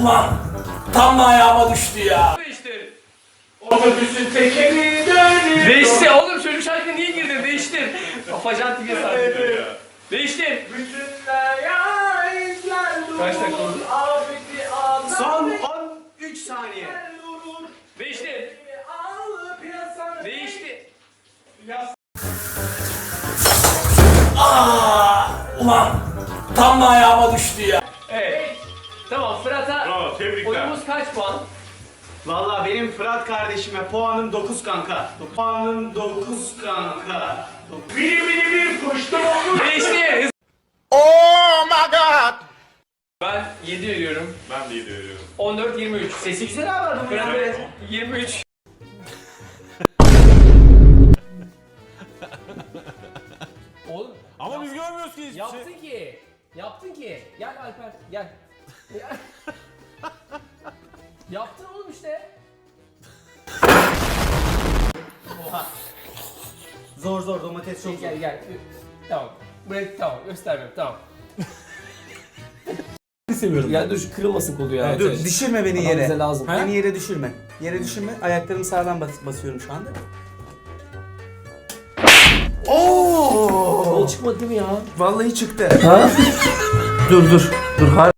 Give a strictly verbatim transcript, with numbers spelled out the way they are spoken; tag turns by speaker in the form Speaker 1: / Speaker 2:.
Speaker 1: Ulan tam da ayağıma düştü ya.
Speaker 2: Değiştir.
Speaker 1: Otobüsün tekeri dönüyor.
Speaker 2: Değiştir oğlum, çocuk şarkı niye girdin? Değiştir. Afacan tipe sardı. Değiştir. Kaç dakika oldu?
Speaker 3: Son on üç saniye.
Speaker 2: Değiştir. Değiştir.
Speaker 1: Aa, ulan tam da ayağıma düştü ya.
Speaker 2: Evet. Tamam, Fırat'a
Speaker 4: Bravo, tebrikler.
Speaker 2: oyunumuz kaç puan?
Speaker 3: Valla benim Fırat kardeşime puanım dokuz kanka. Puanım dokuz kanka.
Speaker 4: Biri biri bir kuştu oldu.
Speaker 2: Değiştir.
Speaker 1: Oh my god.
Speaker 2: Ben yedi veriyorum.
Speaker 4: Ben de iyi veriyorum.
Speaker 2: on dört yirmi üç. Sesi güzel abi adamın. Fırat'a yirmi üç. Oğlum
Speaker 5: Ama biz görmüyoruz ki hiçbir
Speaker 2: yaptın
Speaker 5: şey.
Speaker 2: ki. Yaptın ki. Gel Alper gel. Gel. Yaptın oğlum işte.
Speaker 3: Zor zor domates çok zor.
Speaker 2: Gel gel. Tamam. Buraya tamam göstermiyorum tamam.
Speaker 6: seviyorum.
Speaker 2: Ya dur şu kırılmasın kolu ya.
Speaker 3: Dur
Speaker 2: Evet.
Speaker 3: düşürme beni
Speaker 2: Adam
Speaker 3: yere.
Speaker 2: bize lazım.
Speaker 3: Beni yere düşürme. Yere düşürme. Ayaklarımı sağlam bas basıyorum şu anda. Oo!
Speaker 2: Kol çıkmadı değil mi ya?
Speaker 3: Vallahi çıktı. Ha? dur dur. Dur har